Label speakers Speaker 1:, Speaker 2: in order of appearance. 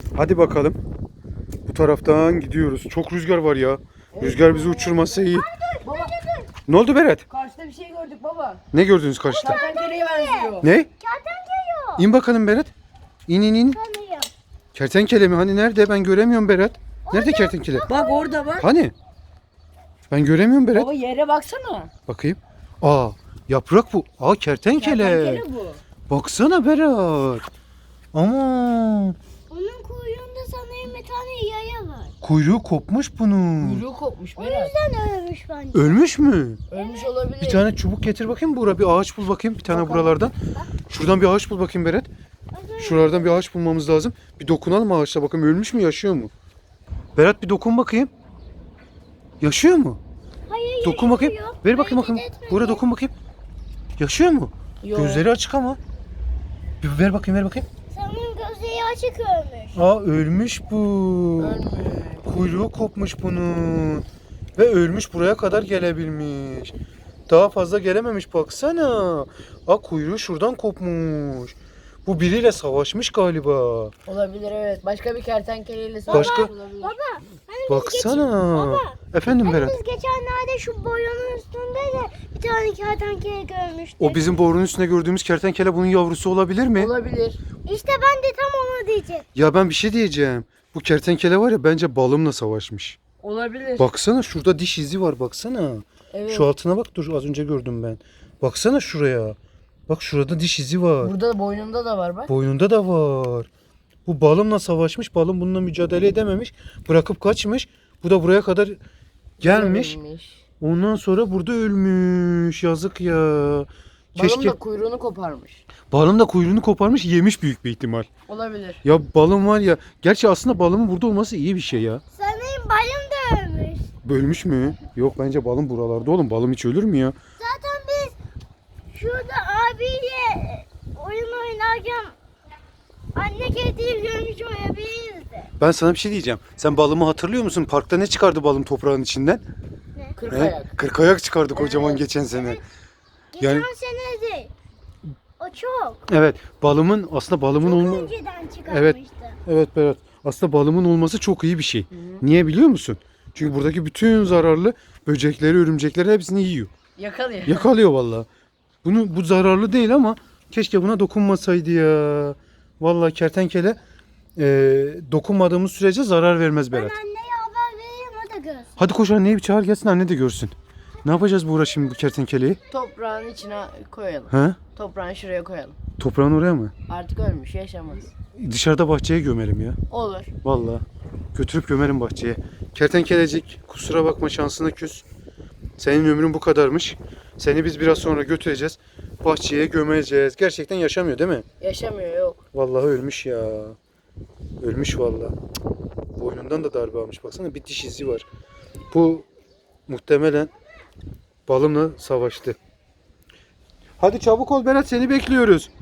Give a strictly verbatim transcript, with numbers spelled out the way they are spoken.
Speaker 1: Hadi bakalım. Bu taraftan gidiyoruz. Çok rüzgar var ya. Rüzgar bizi uçurmasa iyi.
Speaker 2: Baba,
Speaker 1: Ne oldu Berat?
Speaker 2: karşıda bir şey gördük baba.
Speaker 1: Ne gördünüz karşıda?
Speaker 2: Kertenkeleye benziyor.
Speaker 1: Ne?
Speaker 3: Kertenkele
Speaker 1: İn bakalım Berat. İn in in.
Speaker 3: tanıyor.
Speaker 1: Kertenkele mi? Hani nerede? Ben göremiyorum Berat. Nerede kertenkele?
Speaker 2: Bak orada bak.
Speaker 1: Hani? Ben göremiyorum Berat.
Speaker 2: Baba yere baksana.
Speaker 1: Bakayım. Aa, yaprak bu. Aa, kertenkele.
Speaker 2: Kertenkele bu.
Speaker 1: Baksana Berat. Aman.
Speaker 3: Onun kuyruğunda sanırım bir tane yaya var.
Speaker 1: Kuyruğu kopmuş bunun.
Speaker 2: Kuyruğu kopmuş
Speaker 3: O
Speaker 2: Berat.
Speaker 3: yüzden ölmüş bence.
Speaker 1: Ölmüş mü?
Speaker 2: Ölmüş olabilir.
Speaker 1: Bir tane çubuk getir bakayım Buğra. Bir ağaç bul bakayım. Bir tane buralardan. Şuradan bir ağaç bul bakayım Berat. Şuralardan bir ağaç bulmamız lazım. Bir dokunalım ağaçta bakalım ölmüş mü yaşıyor mu? Berat bir dokun bakayım. Yaşıyor mu?
Speaker 3: Hayır,
Speaker 1: Dokun bakayım.
Speaker 3: yaşıyor.
Speaker 1: Ver bakayım
Speaker 3: Hareket
Speaker 1: bakayım.
Speaker 3: etmedi.
Speaker 1: Buğra dokun bakayım. Yaşıyor mu?
Speaker 2: Yok.
Speaker 1: Gözleri açık ama. Bir ver bakayım ver bakayım.
Speaker 3: Sanırım gözleri açık ölmüş.
Speaker 1: Aa, ölmüş bu.
Speaker 2: Ölmüş.
Speaker 1: Kuyruğu kopmuş bunun. Ve ölmüş, buraya kadar gelebilmiş. Daha fazla gelememiş baksana. Aa, kuyruğu şuradan kopmuş. Bu biriyle savaşmış galiba.
Speaker 2: Olabilir evet. Başka bir kertenkeleyle
Speaker 1: Başka-
Speaker 2: savaşmış olabilir.
Speaker 3: Baba, hani biz
Speaker 1: Baksana.
Speaker 3: Baba,
Speaker 1: Efendim
Speaker 3: Hani
Speaker 1: Berat.
Speaker 3: biz geçenlerde şu boyunun üstünde de bir tane kertenkele görmüştük.
Speaker 1: O bizim borunun üstünde gördüğümüz kertenkele bunun yavrusu olabilir mi?
Speaker 2: Olabilir.
Speaker 3: İşte ben de tam onu diyecektim.
Speaker 1: Ya ben bir şey diyeceğim. Bu kertenkele var ya, bence balımla savaşmış.
Speaker 2: Olabilir.
Speaker 1: Baksana şurada diş izi var baksana.
Speaker 2: Evet.
Speaker 1: Şu altına bak, dur az önce gördüm ben. Baksana şuraya. Bak şurada diş izi var.
Speaker 2: Burada boynunda da var bak.
Speaker 1: Boynunda da var. Bu balımla savaşmış. Balım bununla mücadele edememiş. Bırakıp kaçmış. Bu da buraya kadar gelmiş.
Speaker 2: Ölmüş.
Speaker 1: Ondan sonra burada ölmüş. Yazık ya.
Speaker 2: Balım
Speaker 1: Keşke
Speaker 2: da kuyruğunu koparmış.
Speaker 1: balım da kuyruğunu koparmış, yemiş büyük bir ihtimal.
Speaker 2: Olabilir.
Speaker 1: Ya balım var ya. Gerçi aslında balımın burada olması iyi bir şey ya.
Speaker 3: Sanırım bayım da ölmüş.
Speaker 1: Bölmüş mü? Yok, bence balım buralarda oğlum. Balım hiç ölür mü ya?
Speaker 3: Zaten biz şurada abiyle oyun oynarken anne kediyi görmüş olabiliriz de.
Speaker 1: Ben sana bir şey diyeceğim. Sen balımı hatırlıyor musun? Parkta ne çıkardı balım toprağın içinden?
Speaker 2: Kırk
Speaker 1: He?
Speaker 2: ayak.
Speaker 1: Kırk ayak çıkardı kocaman
Speaker 2: Evet.
Speaker 1: geçen sene.
Speaker 3: Geçen
Speaker 1: Yani-
Speaker 3: sene de o çok.
Speaker 1: Evet, balımın aslında balımın
Speaker 3: Çok
Speaker 1: olma
Speaker 3: önceden çıkartmıştı.
Speaker 1: Evet. Evet Berat. Aslında balımın olması çok iyi bir şey. Niye biliyor musun? Çünkü buradaki bütün zararlı böcekleri, örümcekleri hepsini yiyor.
Speaker 2: Yakalıyor.
Speaker 1: Yakalıyor vallahi. Bunu bu zararlı değil ama keşke buna dokunmasaydı ya. Vallahi kertenkele e, dokunmadığımız sürece zarar vermez
Speaker 3: Ben
Speaker 1: Berat.
Speaker 3: anneye haber vereyim o da görsün.
Speaker 1: Hadi koş, anneyi bir çağır gelsin, anne de görsün. Ne yapacağız Buğra şimdi bu kertenkeleyi?
Speaker 2: Toprağın içine koyalım.
Speaker 1: Ha?
Speaker 2: Toprağın şuraya koyalım.
Speaker 1: Toprağın oraya mı?
Speaker 2: Artık ölmüş, yaşamaz.
Speaker 1: Dışarıda bahçeye gömelim ya.
Speaker 2: Olur.
Speaker 1: Vallahi götürüp gömerim bahçeye. Kertenkelecik, kusura bakma, şansına küs. Senin ömrün bu kadarmış. Seni biz biraz sonra götüreceğiz. Bahçeye gömeceğiz. Gerçekten yaşamıyor değil mi?
Speaker 2: Yaşamıyor yok.
Speaker 1: Vallahi ölmüş ya. Ölmüş vallahi. Cık. Boynundan da darbe almış. Baksana, bir diş izi var. Bu muhtemelen balımla savaştı. Hadi çabuk ol Berat, seni bekliyoruz.